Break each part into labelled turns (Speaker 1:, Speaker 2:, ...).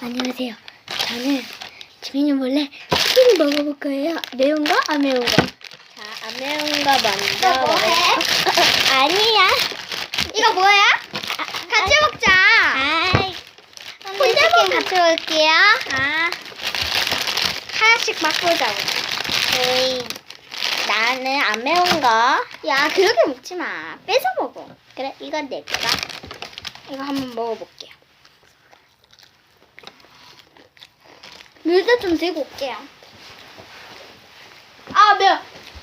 Speaker 1: 안녕하세요. 저는 지민이 몰래 치킨을 먹어볼 거예요. 매운 거? 안 매운 거? 자, 안 매운 거 먼저.
Speaker 2: 너 뭐해?
Speaker 1: 아니야.
Speaker 2: 이거 뭐야? 같이 먹자.
Speaker 1: 아이.
Speaker 2: 혼자 치킨 같이 먹을게요.
Speaker 1: 아.
Speaker 2: 하나씩 맛보자고.
Speaker 1: 에이. 나는 안 매운 거.
Speaker 2: 야, 그렇게 먹지 마. 뺏어 먹어.
Speaker 1: 그래, 이건 내 거다.
Speaker 2: 이거 한번 먹어볼게요. 물도 좀 들고 올게요. 아, 매워.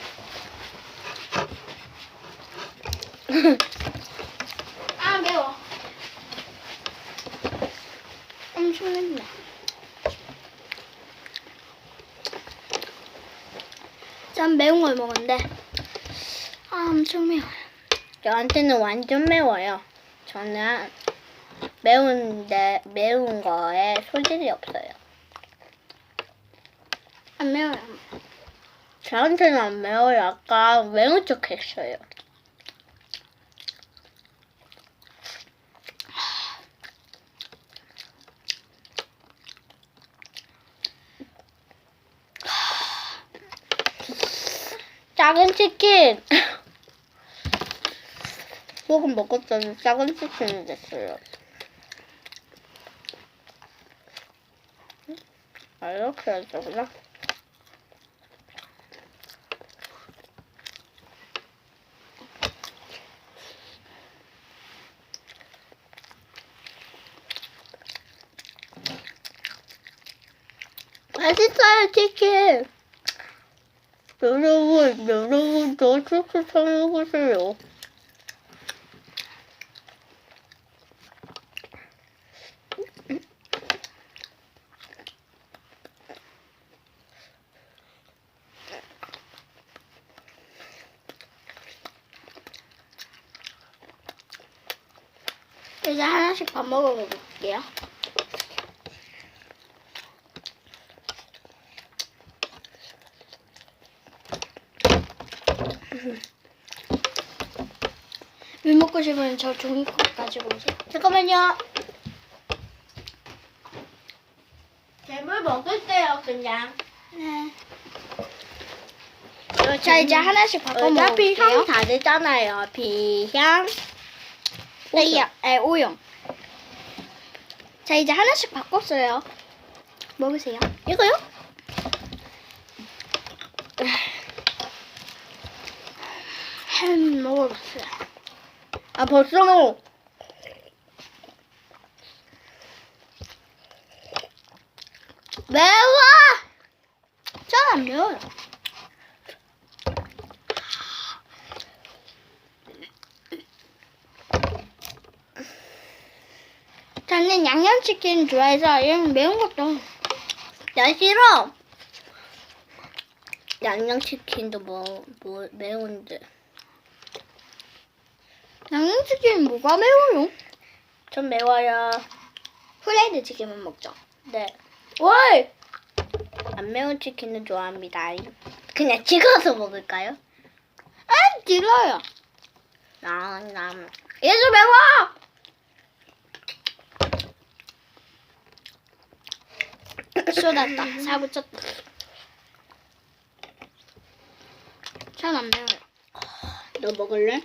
Speaker 2: 아, 매워. 엄청 맵네. 전 매운 걸 먹었는데, 아, 엄청 매워요.
Speaker 1: 저한테는 완전 매워요. 저는 매운 거에 소질이 없어요.
Speaker 2: 안 매워요.
Speaker 1: 저한테는 안 매워요. 아까 매운 척 했어요. 작은 치킨! 조금 먹었더니 작은 치킨이 됐어요. 아, 이렇게 해야 되구나. 맛있어요, 치킨! 여러분, 저 치킨 사먹으세요.
Speaker 2: 이제 하나씩 밥 먹어볼게요. 물 먹고 싶으면 저 종이컵 가지고 오세요.
Speaker 1: 잠깐만요. 잼을 먹을게요, 그냥.
Speaker 2: 네. 자, 이제 하나씩 바꿔
Speaker 1: 어차피 향
Speaker 2: 먹을게요.
Speaker 1: 다르잖아요. 비향.
Speaker 2: 네, 오용. 자, 이제 하나씩 바꿨어요. 먹으세요.
Speaker 1: 이거요?
Speaker 2: 햄 먹어봤어요.
Speaker 1: 아, 벌써 먹어. 매워!
Speaker 2: 전 안 매워요. 저는 양념치킨 좋아해서 이런 매운 것도.
Speaker 1: 난 싫어. 양념치킨도 매운데.
Speaker 2: 양념치킨 뭐가 매워요?
Speaker 1: 좀 매워요.
Speaker 2: 후라이드 치킨만 먹죠.
Speaker 1: 네.
Speaker 2: 왜?
Speaker 1: 안 매운 치킨은 좋아합니다. 그냥 찍어서 먹을까요?
Speaker 2: 아, 길어요.
Speaker 1: 얘도 매워!
Speaker 2: 쏟았다. 사고 쳤다. 전 안 매워요.
Speaker 1: 너 먹을래?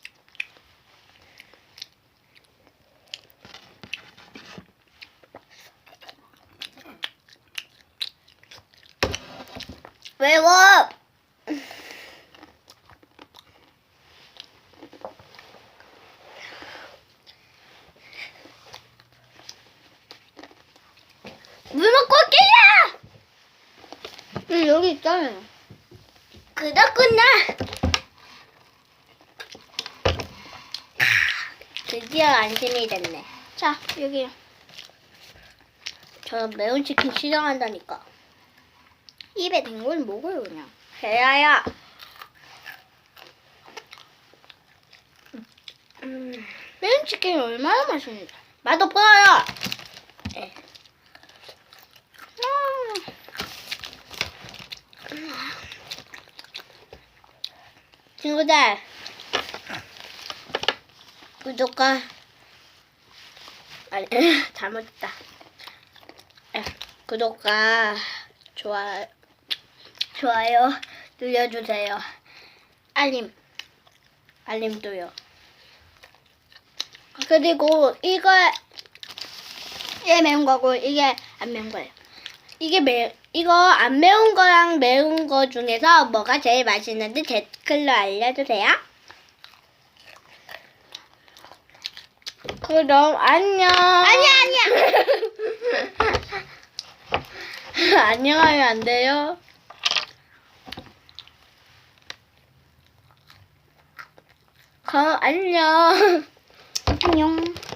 Speaker 1: 매워! 물 먹고 올게요!
Speaker 2: 여기 있잖아요.
Speaker 1: 그렇구나! 드디어 안심이 됐네.
Speaker 2: 자, 여기요.
Speaker 1: 저 매운 치킨 싫어한다니까.
Speaker 2: 입에 댄 걸 먹어요, 그냥.
Speaker 1: 해야야.
Speaker 2: 매운 치킨이 얼마나 맛있는지.
Speaker 1: 맛없어요. 네. 친구들, 구독과 아니 잘못했다. 구독과 좋아요 눌러주세요. 알림도요. 그리고 이게 매운 거고 이게 안 매운 거예요. 이거 안 매운 거랑 매운 거 중에서 뭐가 제일 맛있는지 댓글로 알려주세요. 그럼 안녕.
Speaker 2: 아니야.
Speaker 1: 안녕하면 안 돼요. 그럼 안녕.
Speaker 2: 안녕.